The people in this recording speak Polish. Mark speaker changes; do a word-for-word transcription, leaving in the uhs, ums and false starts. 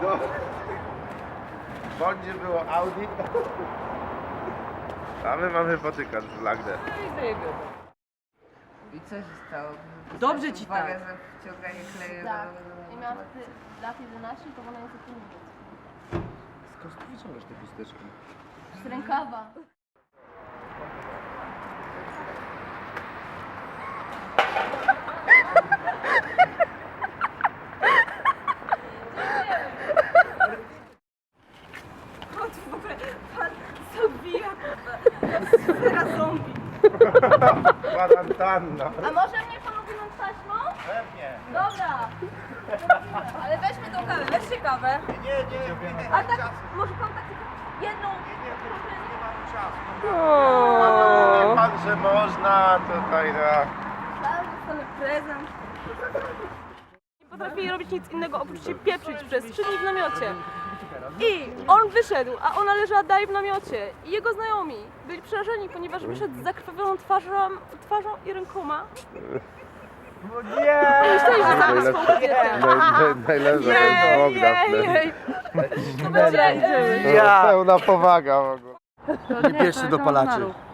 Speaker 1: No. W Bondzie było Audi. A my mamy potykać z Lagdę.
Speaker 2: I co się stało?
Speaker 3: Dobrze ci
Speaker 2: Uwaga,
Speaker 3: tak.
Speaker 2: za wciąganie kleju.
Speaker 4: Tak. I miałam wtedy lat jedenaście, to wolę język niemiecki.
Speaker 5: Skąd ty wyciągasz te chusteczki?
Speaker 4: Z rękawa.
Speaker 3: W ogóle pan zabija sfera zombie.
Speaker 1: Kwarantanna.
Speaker 4: A może mnie pan owinąć taśmą?
Speaker 1: Pewnie.
Speaker 4: Dobra. Ale weźmy tą kawę, weźcie kawę.
Speaker 1: Nie, nie, nie.
Speaker 4: A tak, może pan tak jedną...
Speaker 1: Nie mam czasu. Nie pan, że można tutaj na...
Speaker 4: Tak, dostanę prezent.
Speaker 3: Nie potrafili robić nic innego oprócz się pieprzyć przez trzy dni w namiocie. I on wyszedł, a ona leżała dalej w namiocie. I jego znajomi byli przerażeni, ponieważ wyszedł z zakrwawioną twarzą, twarzą i rękoma.
Speaker 1: Nie!
Speaker 3: I myśleli, że zabił swą kobietę.
Speaker 1: Najlepsza jest Bogdan.
Speaker 3: Jej, To będzie...
Speaker 1: Ja. Pełna powaga w ogóle.
Speaker 5: Nie bierzcie dopalaczy.